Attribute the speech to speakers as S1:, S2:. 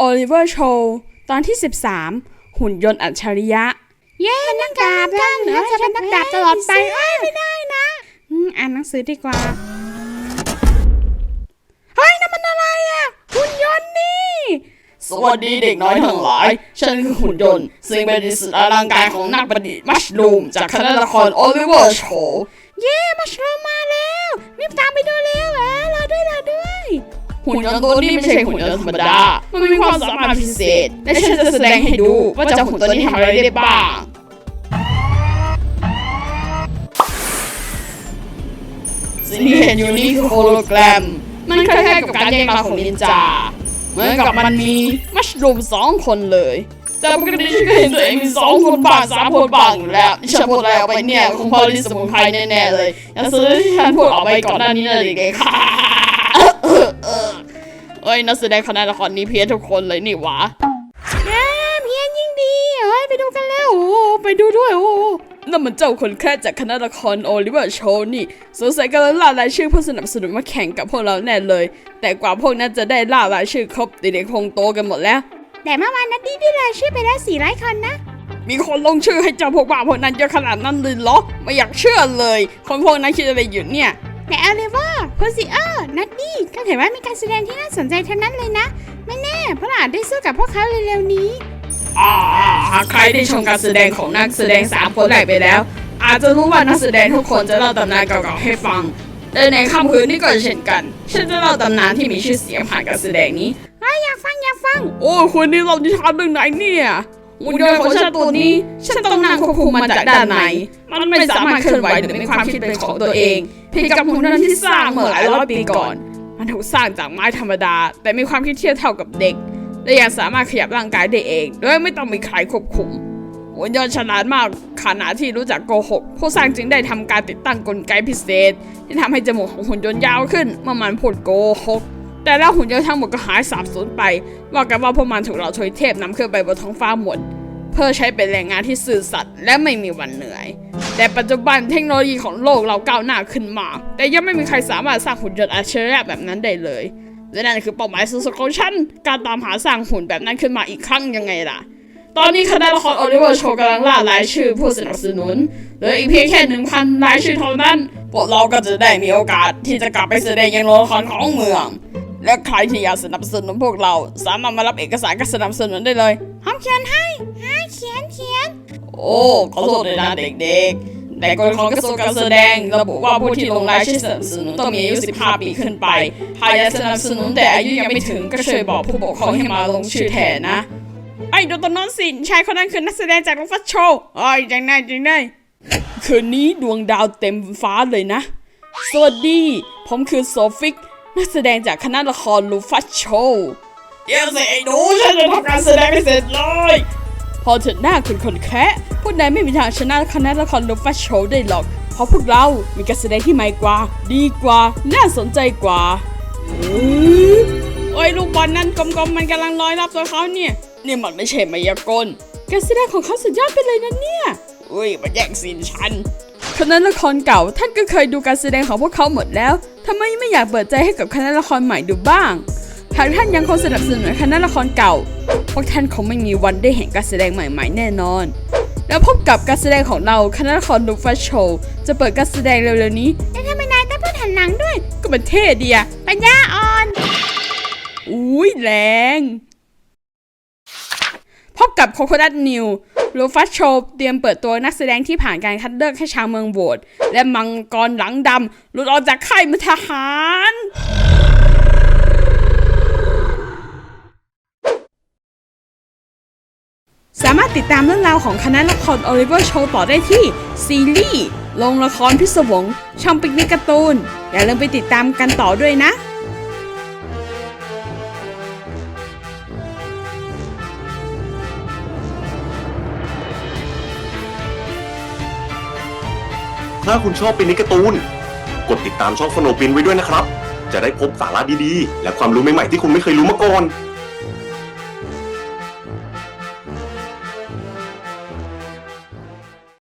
S1: โอลิเวอร์โชว์ตอนที่13หุ่นยนต์อัจฉริยะ
S2: เย้นักดาบกันเหนือจะเป็นนักดาบตลอดไปไม่ได้นะ
S1: อ่านหนังสือดีกว่าเฮ้ยนั่นมันอะไรอ่ะหุ่นยนต์นี่
S3: สวัสดีเด็กน้อยทั้งหลายฉันคือหุ่นยนต์ซึ่งเป็นสุดอลังการของนักประดิษฐ์มัชลูมจากคณะละครโอลิเวอร์โชว์
S2: เย้มัชลูมมาแล้วรีบตามไปดูเร็วรอด้วย
S3: หุ่นยนต์ตัวนี้ไม่ใช่หุ่นยนต์ธรรมดามันมีความสามารถพิเศษและฉันจะแสดงให้ดูว่าเจ้าหุ่นตัวนี้ทำอะไรได้บ้างสิ่งที่เห็นอยู่นี้คือโฮโลแกรมมันคล้ายๆกับการแยกร่างของนินจาเหมือนกับมันมีมัชลูม2 คนเลยแต่ปกติฉันก็เห็นตัวเองมี2 คนบ้าง3 คนบ้างอยู่แล้วที่ฉันพูดอะไรออกไปเนี่ยคงพอลิสมุนไพรแน่ๆเลยอย่างสื่อที่ฉันพูดออกไปก่อนหน้านี้นั่นเองค่ะเอ้ยนักแสดงคณะละครนี้เพี้ยนทุกคนเลยนี่หวะ
S2: เพี้ยนยิ่งดีไปดูกันแล้ว
S1: ไปดูด้วยนั่นมันเจ้าคนแค่จากคณะละครโอลิเวอร์โชว์นี่สงสัยกำลังล่ารายชื่อผู้สนับสนุนมาแข่งกับพวกเราแน่เลยแต่กว่าพวกนั้นจะได้ล่ารายชื่อครบเด็กๆคงโตกันหมดแล้ว
S2: แต่เมื่อวานนัดดี้ได้รายชื่อไปแล้ว400 คนนะ
S1: มีคนลงชื่อให้เจ้าพวกบ้าพวกนั้นเยอะขนาดนั้นเลยเหรอไม่อยากเชื่อเลยคนพวกนั้นคิดอะไรอยู่เนี่ย
S2: แต่โอลิเวอร์โพซิเออร์นัดดี้ก็ถือว่ามีการแสดงที่น่าสนใจทั้งนั้นเลยนะไม่แน่เพราะอาจได้สู้กับพวกเขาเร็วๆนี้
S3: หากใครได้ชมการแสดงของนักแสดง3 คนแรกไปแล้วอาจจะรู้ว่านักแสดงทุกคนจะเล่าตำนานเก่าๆให้ฟังและในค่ำคืนนี้ก็เช่นกันฉันจะเล่าตำนานที่มีชื่อเสียงผ่านการแสดงนี้
S2: อยากฟัง
S1: โอ้คนนี้เรานิทานเรื่องไหนเนี่ย
S3: หุ่นยนต์ของฉันตัวนี้ฉันต้องนั่งควบคุมมันจากด้านในมันไม่สามารถเคลื่อนไหวหรือมีความคิดเป็นของตัวเองเพียงกับหุ่นยนต์ที่สร้างเมื่อหลายร้อยปีก่อน
S1: มันถูกสร้างจากไม้ธรรมดาแต่มีความคิดเทียบเท่ากับเด็กและยังสามารถขยับร่างกายได้เองโดยไม่ต้องมีใครควบคุมหุ่นยนต์ฉลาดมากขนาดที่รู้จักโกหกผู้สร้างจึงได้ทำการติดตั้งกลไกพิเศษที่ทำให้จมูกของหุ่นยนต์ยาวขึ้นเมื่อมันพูดโกหกแต่แล้วหุ่นยนต์ทั้งหมดก็หายสาบสูญไปว่ากันว่าพวกมันถูกเหล่าทวยเทพนำขึ้นไปบนท้องฟ้าหมดเพื่อใช้เป็นแรงงานที่ซื่อสัตย์และไม่มีวันเหนื่อยแต่ปัจจุบันเทคโนโลยีของโลกเราก้าวหน้าขึ้นมากแต่ยังไม่มีใครสามารถสร้างหุ่นยนต์อัจฉริยะแบบนั้นได้เลยและนั่นคือเป้าหมายสูงสุดของฉันการตามหาสร้างหุ่นแบบนั้นขึ้นมาอีกครั้งยังไงล่ะตอนนี้คณะละครโอลิเวอร์โชว์กำลังล่ารายชื่อผู้สนับสนุนเหลืออีกเพียงแค่ 1,000 รายชื่อเท่านั้นพวกเราก็จะได้มีโอกาสที่จะกลับไปแสดงยังโรงละครของเมืองและใครที่อยากสนับสนุนพวกเราสามารถมารับเอกสารการสนับสนุนได้เลย
S2: พร้อมเขียนให้เขียน
S3: โอ้ขอโทษด้วยนะเด็กๆแต่กฎของกระทรวงการแสดงระบุว่าผู้ที่ลงรายชื่อสนับสนุนต้องมีอายุ15 ปีขึ้นไปหากอยากสนับสนุนแต่อายุยังไม่ถึงก็ช่วยบอกผู้ปกครองให้มาลงชื่อแทนนะ
S1: ไอ้ดูตอนนั้นสิชายคนนั้นคือนักแสดงจากลูฟัสโชว์จังได้คืนนี้ดวงดาวเต็มฟ้าเลยนะสวัสดีผมคือโซฟิกนักแสดงจากคณะละครลูฟัสโชว์
S3: เดี๋ยวสิไอ้หนูฉันจะทำการแสดงไม่เสร็จเลย
S1: พอเถิดหน้าคุณคนแค่พวกนายไม่มีทางชนะคณะละครลูฟัสโชว์ได้หรอกเพราะพวกเรามีการแสดงที่ใหม่กว่าดีกว่าน่าสนใจกว่าโอ้ยลูกบอลนั่นกลมๆมันกำลังลอยรอบตัวเขาเนี่ย
S3: มันไม่ใช่มายากล
S1: การแสดงของเขาสุดยอดไปเลยนะเนี่ย
S3: มันแย่งซีนฉัน
S1: คณะละครเก่าท่านก็เคยดูการแสดงของพวกเขาหมดแล้วทำไมไม่อยากเปิดใจให้กับคณะละครใหม่ดูบ้างหากท่านยังคงสนับสนุนคณะละครเก่าพวกท่านคงไม่มีวันได้เห็นการแสดงใหม่ๆแน่นอนแล้วพบกับการแสดงของเราคณะละครลูฟัสโชว์จะเปิดการแสดงเร็วๆนี้
S2: แล้วทำไมนายต้องพูดหันหลังด้วย
S1: ก็มันเท่ดีอะ
S2: ปัญญาอ่อน
S1: แรงพบกับโคโคนัทนิวลูฟัสโชว์เตรียมเปิดตัวนักแสดงที่ผ่านการคัดเลือกให้ชาวเมืองโหวตและมังกรหลังดำหลุดออกจากค่ายมทหารสามารถติดตามเรื่องราวของคณะละครโอลิเวอร์โชว์ต่อได้ที่ซีรีส์โรงละครพิศวงช่องปิกนิกการ์ตูนอย่าลืมไปติดตามกันต่อด้วยนะ
S4: ถ้าคุณชอบปิกนิกการ์ตูนกดติดตามช่องสโนว์ปินไว้ด้วยนะครับจะได้พบสาระดีๆและความรู้ใหม่ๆที่คุณไม่เคยรู้มาก่อน